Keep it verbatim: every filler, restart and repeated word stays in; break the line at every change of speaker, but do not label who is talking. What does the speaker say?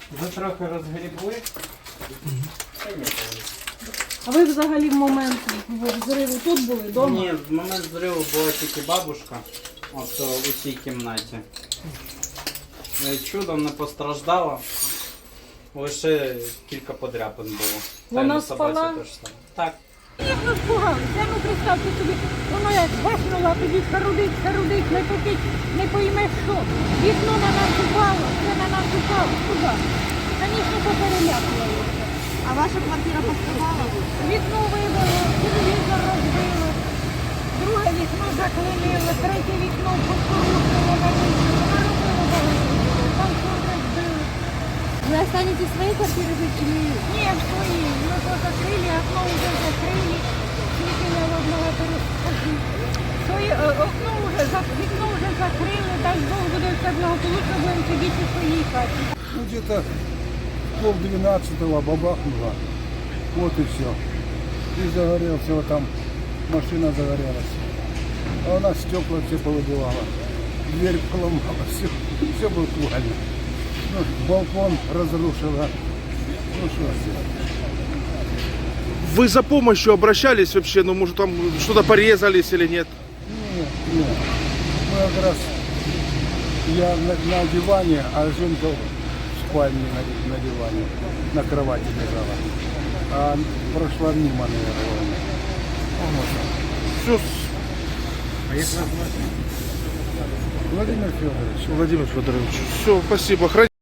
Вже трохи розгрібли.
А ви взагалі в момент взриву тут були, вдома?
Ні, в момент зриву була тільки бабушка. От у цій кімнаті. Е, Чудом не постраждала. Лише кілька подряпин було. Та й
Вона
на собаці
спала?
теж саме. Так.
Як нас пугалися, ну представте собі, воно як бахнуло, а тоді шарудить, шарудить, не попить, не поймеш що. Вікно на нас упало, все на нас упало, куди? Звісно, поперелякувалося.
А ваша квартира пострадала?
Вікно вибило, телевізор розбило, друге вікно заклинило, третє вікно порушило на місці, наробило багато, там все розбило.
Вы останетесь в своей квартире жить или...
Ні, в своїй, ну то закрили, окно вже закрили, світили одного перескочили. Своє е, окно вже, зак- вікно вже закрили, дай Бог буде все благополучно, будемо сидіти у своїй хаті.
Ну, где-то пол двенадцатого бабахнуло. Вот и все. И загорелся, вот там машина загорелась. А у нас стекла все повыбивало. Дверь поломала, все, все буквально. Ну, балкон разрушила. Ну что сделать?
Вы за помощью обращались вообще? Ну, может, там что-то порезались или нет?
Нет, нет. Мы как раз, я на, на диване, а Женька в спальне на, на диване, на кровати лежала. А прошла мимо, наверное.
Все,
Владимир Федорович.
Владимир Федорович, все, спасибо. Храни-